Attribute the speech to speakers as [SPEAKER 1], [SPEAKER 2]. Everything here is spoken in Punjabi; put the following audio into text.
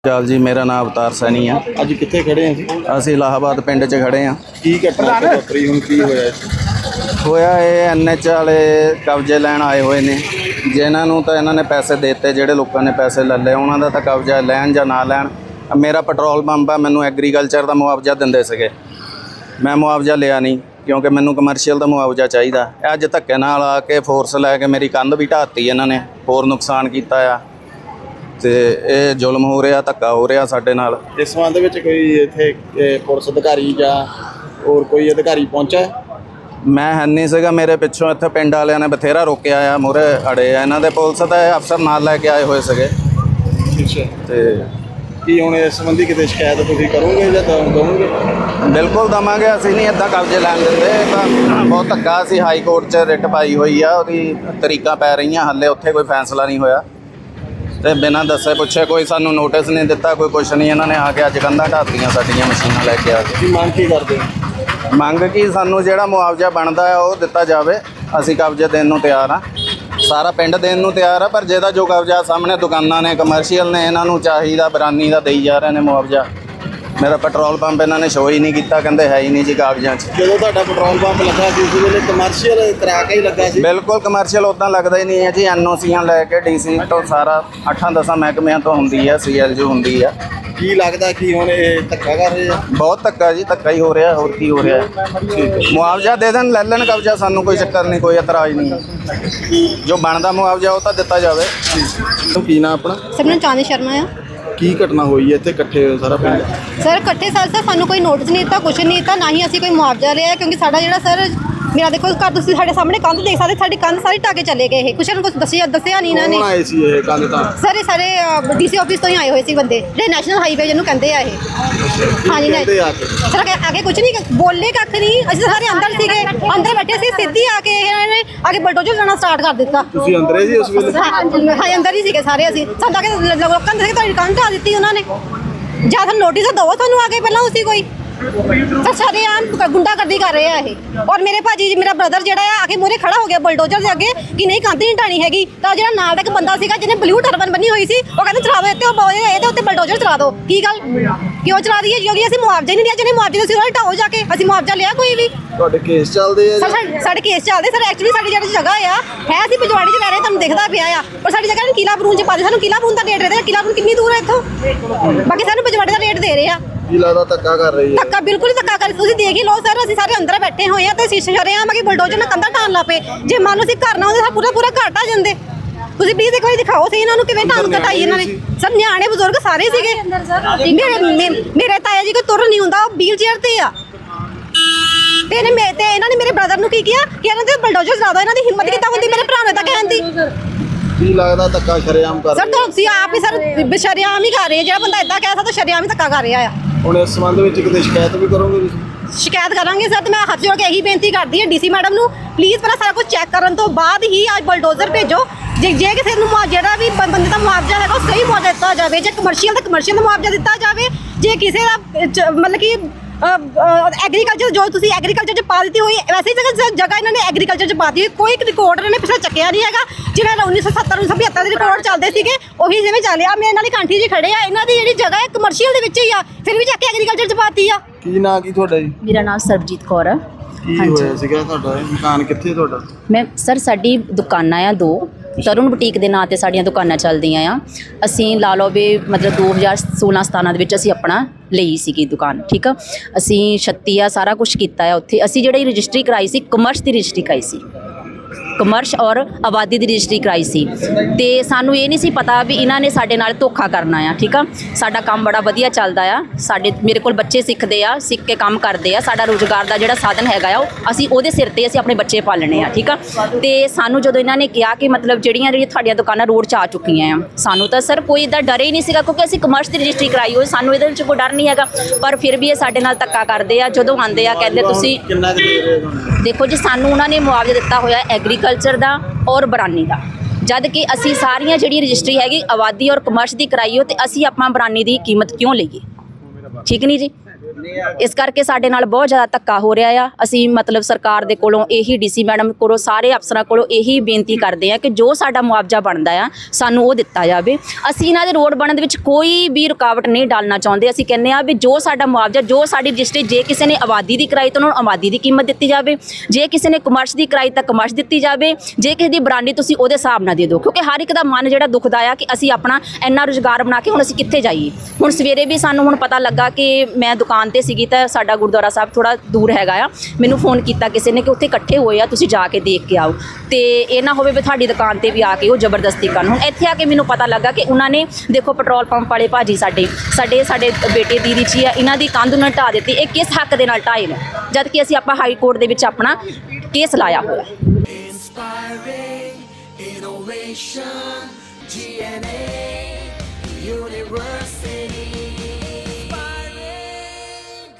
[SPEAKER 1] ਚਾਲ ਜੀ, ਮੇਰਾ ਨਾਮ ਅਵਤਾਰ ਸੈਣੀ ਆ।
[SPEAKER 2] ਅੱਜ ਕਿੱਥੇ ਖੜੇ ਆ ਜੀ?
[SPEAKER 1] ਅਸੀਂ ਇਲਾਹਾਬਾਦ ਪਿੰਡ 'ਚ ਖੜੇ ਆ।
[SPEAKER 2] ਕੀ ਘਟਨਾ ਵਾਪਰੀ, ਹੁਣ ਕੀ ਹੋਇਆ?
[SPEAKER 1] ਹੋਇਆ ਇਹ NH ਵਾਲੇ ਕਬਜ਼ੇ ਲੈਣ ਆਏ ਹੋਏ ਨੇ, ਜਿਨ੍ਹਾਂ ਨੂੰ ਤਾਂ ਇਹਨਾਂ ਨੇ ਪੈਸੇ ਦੇ ਦਿੱਤੇ। ਜਿਹੜੇ ਲੋਕਾਂ ਨੇ ਪੈਸੇ ਲੈ ਲਏ ਉਹਨਾਂ ਦਾ ਤਾਂ ਕਬਜ਼ਾ ਲੈਣ ਜਾਂ ਨਾ ਲੈਣ। ਮੇਰਾ ਪੈਟਰੋਲ ਪੰਪ ਆ, ਮੈਨੂੰ ਐਗਰੀਕਲਚਰ ਦਾ ਮੁਆਵਜ਼ਾ ਦਿੰਦੇ ਸੀਗੇ, ਮੈਂ ਮੁਆਵਜ਼ਾ ਲਿਆ ਨਹੀਂ ਕਿਉਂਕਿ ਮੈਨੂੰ ਕਮਰਸ਼ੀਅਲ ਦਾ ਮੁਆਵਜ਼ਾ ਚਾਹੀਦਾ। ਅੱਜ ਧੱਕੇ ਨਾਲ ਆ ਕੇ ਫੋਰਸ ਲੈ ਕੇ ਮੇਰੀ ਕੰਧ ਵੀ ਢਾਤੀ ਇਹਨਾਂ ਨੇ, ਹੋਰ ਨੁਕਸਾਨ ਕੀਤਾ ਆ ਤੇ ਇਹ ਜ਼ੁਲਮ ਹੋ ਰਿਹਾ, ਧੱਕਾ ਹੋ ਰਿਹਾ ਸਾਡੇ ਨਾਲ।
[SPEAKER 2] ਇਸ ਸੰਬੰਧ ਵਿੱਚ ਕੋਈ ਇੱਥੇ ਪੁਲਿਸ ਅਧਿਕਾਰੀ ਜਾਂ ਹੋਰ ਕੋਈ ਅਧਿਕਾਰੀ ਪਹੁੰਚਾ?
[SPEAKER 1] ਮੈਂ ਹੈ ਨਹੀਂ ਸੀਗਾ, ਮੇਰੇ ਪਿੱਛੋਂ ਇੱਥੇ ਪਿੰਡ ਵਾਲਿਆਂ ਨੇ ਬਥੇਰਾ ਰੋਕਿਆ ਆ, ਮੂਹਰੇ ਅੜੇ ਆ ਇਹਨਾਂ ਦੇ। ਪੁਲਿਸ ਦਾ ਅਫਸਰ ਨਾਲ ਲੈ ਕੇ ਆਏ ਹੋਏ ਸੀਗੇ।
[SPEAKER 2] ਅੱਛਾ,
[SPEAKER 1] ਤੇ
[SPEAKER 2] ਕੀ ਹੁਣ ਇਸ ਸੰਬੰਧੀ ਕਿਤੇ ਸ਼ਿਕਾਇਤ ਤੁਸੀਂ ਕਰੋਗੇ ਜਾਂ ਦਵੋਗੇ?
[SPEAKER 1] ਬਿਲਕੁਲ ਦਵਾਂਗੇ, ਅਸੀਂ ਨਹੀਂ ਇੱਦਾਂ ਕਬਜ਼ੇ ਲੈਣ ਦਿੰਦੇ। ਤਾਂ ਬਹੁਤ ਧੱਕਾ, ਅਸੀਂ ਹਾਈ ਕੋਰਟ 'ਚ ਰਿਟ ਪਾਈ ਹੋਈ ਆ, ਉਹਦੀ ਤਰੀਕਾਂ ਪੈ ਰਹੀਆਂ, ਹਾਲੇ ਉੱਥੇ ਕੋਈ ਫੈਸਲਾ ਨਹੀਂ ਹੋਇਆ। ਤੇ ਬਿਨਾਂ ਦੱਸੇ ਪੁੱਛੇ ਕੋਈ ਸਾਨੂੰ ਨੋਟਿਸ ਨਹੀਂ ਦਿੱਤਾ, ਕੋਈ ਕੁਛ ਨਹੀਂ। ਇਹਨਾਂ ਨੇ ਆ ਕੇ ਅੱਜ ਕੰਧਾਂ ਢਾਤੀਆਂ ਸਾਡੀਆਂ ਮਸ਼ੀਨਾਂ ਲੈ ਕੇ ਆ ਕੇ।
[SPEAKER 2] ਕੀ ਮੰਗ ਕੀ ਕਰਦੇ?
[SPEAKER 1] ਮੰਗ ਕੀ, ਸਾਨੂੰ ਜਿਹੜਾ ਮੁਆਵਜ਼ਾ ਬਣਦਾ ਹੈ ਉਹ ਦਿੱਤਾ ਜਾਵੇ। ਅਸੀਂ ਕਬਜ਼ੇ ਦੇਣ ਨੂੰ ਤਿਆਰ ਆ, ਸਾਰਾ ਪਿੰਡ ਦੇਣ ਨੂੰ ਤਿਆਰ ਆ, ਪਰ ਜਿਹਦਾ ਜੋ ਕਬਜ਼ਾ ਸਾਹਮਣੇ ਦੁਕਾਨਾਂ ਨੇ, ਕਮਰਸ਼ੀਅਲ ਨੇ, ਇਹਨਾਂ ਨੂੰ ਚਾਹੀਦਾ ਬਰਾਨੀ ਦਾ ਦੇਈ ਜਾ ਰਹੇ ਨੇ ਮੁਆਵਜ਼ਾ। ਮੇਰਾ ਪੈਟਰੋਲ ਪੰਪ ਇਹਨਾਂ ਨੇ ਸ਼ੋ ਹੀ ਨਹੀਂ ਕੀਤਾ, ਕਹਿੰਦੇ ਹੈ ਹੀ ਨਹੀਂ ਜੀ ਕਾਗਜ਼ਾਂ 'ਚ।
[SPEAKER 2] ਜਦੋਂ ਤੁਹਾਡਾ ਪੈਟਰੋਲ ਪੰਪ ਲੱਗਾ ਸੀ ਉਸ ਵੇਲੇ ਕਮਰਸ਼ੀਅਲ ਕਰਾ ਕੇ ਹੀ ਲੱਗਾ ਸੀ?
[SPEAKER 1] ਬਿਲਕੁਲ ਕਮਰਸ਼ੀਅਲ ਉੱਦਾਂ ਲੱਗਦਾ ਹੀ ਨਹੀਂ ਹੈ ਜੀ। NOCਆਂ ਲੈ ਕੇ DC ਤੋਂ ਸਾਰਾ 8-10 ਮਹਿਕਮਿਆਂ ਤੋਂ ਹੁੰਦੀ ਆ, CLG ਹੁੰਦੀ ਆ।
[SPEAKER 2] ਕੀ ਲੱਗਦਾ ਕਿ ਹੁਣ ਇਹ ਧੱਕਾ ਕਰ ਰਹੇ ਆ?
[SPEAKER 1] ਬਹੁਤ ਧੱਕਾ ਜੀ, ਧੱਕਾ ਹੀ ਹੋ ਰਿਹਾ, ਹੋਰ ਕੀ ਹੋ ਰਿਹਾ।
[SPEAKER 2] ਠੀਕ ਹੈ,
[SPEAKER 1] ਮੁਆਵਜ਼ਾ ਦੇ ਦੇਣ, ਲੈ ਲੈਣ ਕਬਜ਼ਾ, ਸਾਨੂੰ ਕੋਈ ਚੱਕਰ ਨਹੀਂ, ਕੋਈ ਇਤਰਾਜ਼ ਨਹੀਂ। ਜੋ ਬਣਦਾ ਮੁਆਵਜ਼ਾ ਉਹ ਤਾਂ ਦਿੱਤਾ ਜਾਵੇ।
[SPEAKER 2] ਕੀ ਨਾਮ ਆਪਣਾ?
[SPEAKER 3] ਸਰ, ਮੈਨੂੰ ਚਾਂਦੀ ਸ਼ਰਮਾ ਆ।
[SPEAKER 2] ਕੀ ਘਟਨਾ ਹੋਈ ਹੈ ਇੱਥੇ ਇਕੱਠੇ ਹੋਏ ਸਾਰਾ ਪਿੰਡ?
[SPEAKER 3] ਸਰ ਇਕੱਠੇ ਸਰ ਸਾਨੂੰ ਕੋਈ ਨੋਟਿਸ ਨਹੀਂ ਦਿੱਤਾ, ਕੁਛ ਨਹੀਂ ਦਿੱਤਾ, ਨਾ ਹੀ ਅਸੀਂ ਕੋਈ ਮੁਆਵਜ਼ਾ ਲਿਆ। ਕਿਉਂਕਿ ਸਾਡਾ ਜਿਹੜਾ ਸਰ ਮੇਰਾ ਦੇਖੋ ਘਰ, ਤੁਸੀਂ ਸਾਡੇ ਸਾਹਮਣੇ ਕੰਧ ਦੇਖ ਸਕਦੇ, ਸਾਡੀ ਕੰਧ ਸਾਰੀ ਢਾਕੇ ਚਲੇ ਗਏ। ਇਹ ਕੁਛ ਨੂੰ ਕੁਛ ਦੱਸਿਆ ਨਹੀਂ ਇਹਨਾਂ ਨੇ।
[SPEAKER 2] ਕੌਣ ਆਏ ਸੀ ਇਹ ਕੰਧ ਤਾਂ?
[SPEAKER 3] ਸਰ ਇਹ ਸਾਰੇ DC ਆਫਿਸ ਤੋਂ ਹੀ ਆਏ ਹੋਏ ਸੀ ਬੰਦੇ, ਜਿਹੜੇ ਨੈਸ਼ਨਲ ਹਾਈਵੇ ਜਿਹਨੂੰ ਕਹਿੰਦੇ ਆ ਇਹ। ਹਾਂਜੀ
[SPEAKER 2] ਕਹਿੰਦੇ ਆ ਕੇ
[SPEAKER 3] ਸਰ ਆਗੇ ਕੁਛ ਨਹੀਂ ਬੋਲੇ, ਕੱਖ ਨਹੀਂ। ਅਸੀਂ ਸਾਰੇ ਅੰਦਰ ਸੀਗੇ, ਅੰਦਰ ਬੈਠੇ ਸੀ। ਸਿੱਧੀ ਆ ਕੇ ਇਹਨਾਂ ਨੇ ਆ ਕੇ ਬਲਡੋਜ਼ਰ ਚਲਾਉਣਾ ਸਟਾਰਟ ਕਰ ਦਿੱਤਾ।
[SPEAKER 2] ਤੁਸੀਂ ਅੰਦਰੇ ਸੀ ਉਸ ਵੇਲੇ?
[SPEAKER 3] ਹਾਂ, ਅੰਦਰ ਹੀ ਸੀਗੇ ਸਾਰੇ ਅਸੀਂ। ਸਾਡਾ ਕਿ ਲੋਕਾਂ ਨੇ ਤੁਹਾਡੀ ਕੰਧ ਢਾ ਦਿੱਤੀ ਉਹਨਾਂ ਨੇ। ਜਾਂ ਤੁਹਾਨੂੰ ਨੋਟਿਸ ਦਵੋ, ਤੁਹਾਨੂੰ ਆ ਕੇ ਪਹਿਲਾਂ ਉਸੇ ਕੋਈ ਸਰ ਸਾਰੇ ਆਮ ਗੁੰਡਾਗਰਦੀ ਕਰ ਰਹੇ ਆ ਇਹ। ਔਰ ਮੇਰੇ ਭਾਜੀ ਜੀ, ਮੇਰਾ ਬ੍ਰਦਰ ਜਿਹੜਾ ਆ ਕੇ ਮੂਹਰੇ ਖੜਾ ਹੋ ਗਿਆ ਬਲਡੋਜ਼ਰ ਦੇ ਅੱਗੇ ਕਿ ਨਹੀਂ ਕੰਧ ਨਹੀਂ ਢਾਣੀ ਹੈਗੀ। ਤਾਂ ਜਿਹੜਾ ਨਾਲ ਦਾ ਇੱਕ ਬੰਦਾ ਸੀਗਾ ਜਿਹਨੇ ਬਲੂ ਟਰਬਨ ਬੰਨੀ ਹੋਈ ਸੀ, ਉਹ ਕਹਿੰਦਾ ਚਲਾ ਦਿਓ ਇੱਥੇ, ਇਹਦੇ ਉੱਤੇ ਬਲਡੋਜ਼ਰ ਚਲਾ ਦਿਓ। ਕੀ ਗੱਲ, ਕਿਉਂ ਚਲਾ ਦਈਏ? ਕਿਉਂਕਿ ਅਸੀਂ ਮੁਆਵਜ਼ਾ ਹੀ ਨਹੀਂ ਲਿਆ। ਜਿਹਨੇ ਮੁਆਵਜ਼ੇ ਤੁਸੀਂ ਉਹਨਾਂ ਢਾਓ ਜਾ ਕੇ, ਅਸੀਂ ਮੁਆਵਜ਼ਾ ਲਿਆ ਕੋਈ ਵੀ?
[SPEAKER 2] ਤੁਹਾਡੇ ਕੇਸ ਚੱਲਦੇ ਆ?
[SPEAKER 3] ਸਾਡੇ ਕੇਸ ਚੱਲਦੇ ਸਰ। ਐਕਚੁਅਲੀ ਸਾਡੀ ਜਿਹੜੀ ਜਗ੍ਹਾ ਆ ਹੈ, ਅਸੀਂ ਪਜਵਾੜੀ 'ਚ ਰਹਿ ਰਹੇ, ਤੁਹਾਨੂੰ ਦਿਖਦਾ ਪਿਆ ਆ। ਪਰ ਸਾਡੀ ਜਗ੍ਹਾ ਨੂੰ ਕਿਲਾ ਬਰੂਨ 'ਚ ਪਾ ਦੇ। ਸਾਨੂੰ ਕਿਲਾ ਬਰੂਨ ਦਾ ਰੇਟ ਦੇ ਰਹੇ। ਕਿਲਾ ਬਰੂਨ ਕਿੰਨੀ ਦੂਰ ਹੈ ਇੱਥੋਂ? ਬਾਕੀ ਸਾਨੂੰ ਪਜਵਾੜੀ ਦਾ ਰੇਟ ਦੇ ਰਹੇ ਆ।
[SPEAKER 2] ਕੀ ਲੱਗਦਾ ਧੱਕਾ ਕਰ ਰਹੀ ਹੈ?
[SPEAKER 3] ਧੱਕਾ ਬਿਲਕੁਲ ਹੀ ਧੱਕਾ ਕਰ, ਤੁਸੀਂ ਦੇਖ ਹੀ ਲਓ ਸਰ। ਅਸੀਂ ਸਾਰੇ ਅੰਦਰ ਬੈਠੇ ਹੋਏ ਆ ਤੇ ਸ਼ੀਸ਼ੇ ਸ਼ਰਿਆਂ ਕਿ ਬਲਡੋਜ਼ਰ ਨਾਲ ਕੰਧਾਂ ਢਾਣ ਲਾ ਪਏ। ਜੇ ਮੰਨ ਲਓ ਅਸੀਂ ਘਰ ਨਾ ਹੁੰਦੇ ਤਾਂ ਪੂਰਾ ਘਰ ਢਾਹ ਜਾਂਦੇ। ਤੁਸੀਂ ਪਲੀਜ਼ ਇੱਕ ਵਾਰੀ ਦਿਖਾਓ ਸਹੀ ਇਹਨਾਂ ਨੂੰ ਕਿਵੇਂ ਢਾਣ ਘਟਾਈ ਇਹਨਾਂ ਨੇ। ਸਰ ਨਿਆਣੇ ਬਜ਼ੁਰਗ ਸਾਰੇ ਸੀਗੇ। ਮੇਰੇ ਤਾਇਆ ਜੀ ਕੋਈ ਤੁਰ ਨਹੀਂ ਹੁੰਦਾ, ਉਹ ਵੀਲ ਚੇਅਰ ਤੇ ਆ। ਤੇ ਇਹਨਾਂ ਨੇ ਮੇਰੇ ਬ੍ਰਦਰ ਨੂੰ ਕੀ ਕਿਹਾ ਕਿ ਇਹਨਾਂ ਦੇ ਬਲਡੋਜ਼ਰ ਚਲਾ ਦਿਓ। ਇਹਨਾਂ ਦੀ ਹਿੰਮਤ ਕਿੱਦਾਂ ਹੁੰਦੀ ਮੇਰੇ ਭਰਾ ਨੇ ਤਾਂ ਕਹਿਣ ਦੀ।
[SPEAKER 2] ਕੀ ਲੱਗਦਾ ਧੱਕਾ ਸ਼ਰੇਆਮ ਕਰ
[SPEAKER 3] ਸਰ ਤੁਸੀਂ ਆਪ ਹੀ ਸਰ ਸ਼ਰੇਆਮ ਹੀ ਕਰ ਰਹੇ। ਜਿਹੜਾ ਬੰਦਾ ਏਦਾਂ ਕਹਿ ਸਕਦਾ, ਸ਼ਰੇਆਮ ਹੀ ਧੱਕਾ ਕਰ ਰਿਹਾ ਆ। ਹੁਣ
[SPEAKER 2] ਇਸ ਸੰਬੰਧ ਵਿੱਚ ਕਿਤੇ ਸ਼ਿਕਾਇਤ ਵੀ ਕਰੋਗੇ ਤੁਸੀਂ?
[SPEAKER 3] ਸ਼ਿਕਾਇਤ ਕਰਾਂਗੇ ਸਰ। ਤੇ ਮੈਂ ਹੱਥ ਜੋੜ ਕੇ ਇਹੀ ਬੇਨਤੀ ਕਰਦੀ ਹਾਂ DC ਮੈਡਮ ਨੂੰ, ਪਲੀਜ਼ ਪਹਿਲਾਂ ਸਾਰਾ ਕੁਝ ਚੈੱਕ ਕਰਨ ਤੋਂ ਬਾਅਦ ਹੀ ਅੱਜ ਬਲਡੋਜ਼ਰ ਭੇਜੋ। ਜੇ ਕਿਸੇ ਨੂੰ ਜਿਹੜਾ ਵੀ ਬੰਦੇ ਦਾ ਮੁਆਵਜ਼ਾ ਹੈਗਾ ਉਹ ਸਹੀ ਮੁਆਵਜ਼ਾ ਦਿੱਤਾ ਜਾਵੇ। ਜੇ ਕਮਰਸ਼ੀਅਲ ਤਾਂ ਕਮਰਸ਼ੀਅਲ ਦਾ ਮੁਆਵਜ਼ਾ ਦਿੱਤਾ ਜਾਵੇ। ਜੇ ਕਿਸੇ ਦਾ ਮਤਲਬ ਕਿ ਐਗਰੀਕਲਚਰ, ਜੋ ਤੁਸੀਂ ਐਗਰੀਕਲਚਰ 'ਚ ਪਾ ਦਿੱਤੀ ਹੋਈ, ਵੈਸੇ ਜਗ੍ਹਾ ਇਹਨਾਂ ਨੇ ਐਗਰੀਕਲਚਰ 'ਚ ਪਾ ਦਿੱਤੀ ਹੋਈ। ਕੋਈ ਰਿਕਾਰਡ ਇਹਨਾਂ ਨੇ ਪਿਛਲਾ ਚੱਕਿਆ ਨਹੀਂ ਹੈਗਾ। ਜਿਵੇਂ 1970 1975 ਦੇ ਰਿਕਾਰਡ ਚੱਲਦੇ ਸੀਗੇ, ਉਹੀ ਜਿਵੇਂ ਚੱਲਿਆ। ਮੇਰੇ ਨਾਲ ਹੀ ਕਾਂਠੀ ਜੀ ਖੜੇ ਆ, ਇਹਨਾਂ ਦੀ ਜਿਹੜੀ ਜਗ੍ਹਾ ਹੈ ਕਮਰਸ਼ੀਅਲ ਦੇ ਵਿੱਚ ਹੀ ਆ, ਫਿਰ ਵੀ ਚੱਕ ਕੇ ਐਗਰੀਕਲਚਰ 'ਚ ਪਾਤੀ ਆ।
[SPEAKER 2] ਕੀ ਨਾਂ ਕੀ ਤੁਹਾਡਾ ਜੀ?
[SPEAKER 4] ਮੇਰਾ ਨਾਮ ਸਰਬਜੀਤ ਕੌਰ ਆ।
[SPEAKER 2] ਕੀ ਹੋਇਆ ਸੀਗਾ ਤੁਹਾਡਾ? ਮਕਾਨ ਕਿੱਥੇ ਤੁਹਾਡਾ?
[SPEAKER 4] ਮੈਂ ਸਰ, ਸਾਡੀ ਦੁਕਾਨਾਂ ਆ 2 ਤਰੁਣ ਬੁਟੀਕ ਦੇ ਨਾਂ ਤੇ ਸਾਡੀਆਂ ਦੁਕਾਨਾਂ ਚੱਲਦੀਆਂ ਆ। ਅਸੀਂ ਲਾ ਲਓ ਵੀ ਮਤਲਬ 2016-17 ਦੇ ਵਿੱਚ ਅਸੀਂ ਆਪਣਾ ਲਈ ਸੀਗੀ ਦੁਕਾਨ, ਠੀਕ ਆ। ਅਸੀਂ 36 ਆ ਸਾਰਾ ਕੁਝ ਕੀਤਾ ਆ ਉੱਥੇ। ਅਸੀਂ ਜਿਹੜੀ ਰਜਿਸਟਰੀ ਕਰਾਈ ਸੀ, ਕਮਰਸ ਦੀ ਰਜਿਸਟਰੀ ਕਰਾਈ ਸੀ, ਕਮਰਸ਼ ਔਰ ਆਬਾਦੀ ਦੀ ਰਜਿਸਟਰੀ ਕਰਾਈ ਸੀ। ਤੇ ਸਾਨੂੰ ਇਹ ਨਹੀਂ ਸੀ ਪਤਾ ਵੀ ਇਹਨਾਂ ਨੇ ਸਾਡੇ ਨਾਲ ਧੋਖਾ ਕਰਨਾ ਆ, ਠੀਕ ਆ। ਸਾਡਾ ਕੰਮ ਬੜਾ ਵਧੀਆ ਚੱਲਦਾ ਆ। ਮੇਰੇ ਕੋਲ ਬੱਚੇ ਸਿੱਖਦੇ ਆ, ਸਿੱਖ ਕੇ ਕੰਮ ਕਰਦੇ ਆ। ਸਾਡਾ ਰੁਜ਼ਗਾਰ ਦਾ ਜਿਹੜਾ ਸਾਧਨ ਹੈਗਾ ਆ, ਉਹ ਅਸੀਂ ਉਹਦੇ ਸਿਰ ਤੇ ਅਸੀਂ ਆਪਣੇ ਬੱਚੇ ਪਾਲਣੇ ਆ, ਠੀਕ ਆ। ਤੇ ਸਾਨੂੰ ਜਦੋਂ ਇਹਨਾਂ ਨੇ ਕਿਹਾ ਕਿ ਮਤਲਬ ਜਿਹੜੀਆਂ ਤੁਹਾਡੀਆਂ ਦੁਕਾਨਾਂ ਰੋਡ 'ਚ ਆ ਚੁੱਕੀਆਂ ਆ, ਸਾਨੂੰ ਤਾਂ ਸਰ ਕੋਈ ਇੱਦਾਂ ਡਰ ਹੀ ਨਹੀਂ ਸੀਗਾ, ਕਿਉਂਕਿ ਅਸੀਂ ਕਮਰਸ ਦੀ ਰਜਿਸਟਰੀ ਕਰਾਈ ਹੋਈ, ਸਾਨੂੰ ਇਹਦੇ ਵਿੱਚ ਕੋਈ ਡਰ ਨਹੀਂ ਹੈਗਾ। ਪਰ ਫਿਰ ਵੀ ਇਹ ਸਾਡੇ ਨਾਲ ਧੱਕਾ ਕਰਦੇ ਆ। ਜਦੋਂ ਆਉਂਦੇ ਆ ਕਹਿੰਦੇ ਤੁਸੀਂ
[SPEAKER 2] ਕਿੰਨਾ ਦੇ ਰਹੇ ਹੋ?
[SPEAKER 4] ਦੇਖੋ ਜੀ, ਸਾਨੂੰ ਉਹਨਾਂ ਨੇ ਮੁਆਵਜ਼ਾ ਦਿੱਤਾ ਹੋਇਆ ਐਗਰੀਕਲਚਰ ਦਾ ਔਰ ਬਰਾਨੀ ਦਾ। ਜਦ ਕਿ ਅਸੀਂ ਸਾਰੀਆਂ ਜਿਹੜੀ ਰਜਿਸਟਰੀ ਹੈਗੀ ਆਬਾਦੀ ਔਰ ਕਮਰਸ ਦੀ ਕਰਾਈ ਹੋ, ਤੇ ਅਸੀਂ ਆਪਾਂ ਬਰਾਨੀ ਦੀ ਕੀਮਤ ਕਿਉਂ ਲਈਏ? ਠੀਕ ਨਹੀਂ ਜੀ। ਇਸ ਕਰਕੇ ਸਾਡੇ ਨਾਲ ਬਹੁਤ ਜ਼ਿਆਦਾ ਧੱਕਾ ਹੋ ਰਿਹਾ ਆ। ਅਸੀਂ ਮਤਲਬ ਸਰਕਾਰ ਦੇ ਕੋਲੋਂ ਇਹੀ ਡੀਸੀ ਮੈਡਮ ਕੋਲੋਂ ਸਾਰੇ ਅਫਸਰਾਂ ਕੋਲੋਂ ਇਹੀ ਬੇਨਤੀ ਕਰਦੇ ਆ ਕਿ ਜੋ ਸਾਡਾ ਮੁਆਵਜ਼ਾ ਬਣਦਾ ਆ ਸਾਨੂੰ ਉਹ ਦਿੱਤਾ ਜਾਵੇ। ਅਸੀਂ ਇਹਨਾਂ ਦੇ ਰੋਡ ਬਣਨ ਦੇ ਵਿੱਚ ਕੋਈ ਵੀ ਰੁਕਾਵਟ ਨਹੀਂ ਡਾਲਣਾ ਚਾਹੁੰਦੇ। ਅਸੀਂ ਕਹਿੰਦੇ ਆ ਵੀ ਜੋ ਸਾਡਾ ਮੁਆਵਜ਼ਾ, ਜੋ ਸਾਡੀ ਰਜਿਸਟਰੀ, ਜੇ ਕਿਸੇ ਨੇ ਆਬਾਦੀ ਦੀ ਕਰਾਈ ਤਾਂ ਉਹਨਾਂ ਨੂੰ ਆਬਾਦੀ ਦੀ ਕੀਮਤ ਦਿੱਤੀ ਜਾਵੇ, ਜੇ ਕਿਸੇ ਨੇ ਕਮਰਸ਼ ਦੀ ਕਰਾਈ ਤਾਂ ਕਮਰਸ਼ ਦਿੱਤੀ ਜਾਵੇ, ਜੇ ਕਿਸੇ ਦੀ ਬਰਾਂਡੀ ਤੁਸੀਂ ਉਹਦੇ ਹਿਸਾਬ ਨਾਲ ਦੇ ਦਿਓ, ਕਿਉਂਕਿ ਹਰ ਇੱਕ ਦਾ ਮਨ ਜਿਹੜਾ ਦੁਖਦਾ ਆ ਕਿ ਅਸੀਂ ਆਪਣਾ ਇੰਨਾ ਰੁਜ਼ਗਾਰ ਬਣਾ ਕੇ ਹੁਣ ਅਸੀਂ ਕਿੱਥੇ ਜਾਈਏ। ਹੁਣ ਸਵੇਰੇ ਵੀ ਸਾਨੂੰ ਹੁਣ ਪਤਾ ਲੱਗਾ ਕਿ ਮੈਂ ਦੁਕਾਨ ਤੇ ਸੀਗੀ ਤਾਂ ਸਾਡਾ ਗੁਰਦੁਆਰਾ ਸਾਹਿਬ ਥੋੜਾ ਦੂਰ ਹੈਗਾ ਆ, ਮੈਨੂੰ ਫੋਨ ਕੀਤਾ ਕਿਸੇ ਨੇ ਕਿ ਉੱਥੇ ਇਕੱਠੇ ਹੋਏ ਆ, ਤੁਸੀਂ ਜਾ ਕੇ ਦੇਖ ਕੇ ਆਓ, ਤੇ ਇਹ ਨਾ ਹੋਵੇ ਵੀ ਤੁਹਾਡੀ ਦੁਕਾਨ ਤੇ ਵੀ ਆ ਕੇ ਉਹ ਜ਼ਬਰਦਸਤੀ ਕਰਨ। ਹੁਣ ਇੱਥੇ ਆ ਕੇ ਮੈਨੂੰ ਪਤਾ ਲੱਗਾ ਕਿ ਉਹਨਾਂ ਨੇ ਦੇਖੋ ਪੈਟਰੋਲ ਪੰਪ ਵਾਲੇ ਭਾਜੀ ਸਾਡੇ ਬੇਟੇ ਦੀ ਚੀ ਆ, ਇਹਨਾਂ ਦੀ ਕੰਧ ਉਹਨਾਂ ਨੇ ਢਾਹ ਦਿੱਤੀ। ਇਹ ਕਿਸ ਹੱਕ ਦੇ ਨਾਲ ਢਾਏ ਨੇ, ਜਦ ਕਿ ਅਸੀਂ ਆਪਾਂ ਹਾਈ ਕੋਰਟ ਦੇ ਵਿੱਚ ਆਪਣਾ ਕੇਸ ਲਾਇਆ ਹੋਇਆ।
[SPEAKER 5] Inspiring innovation, GNA University.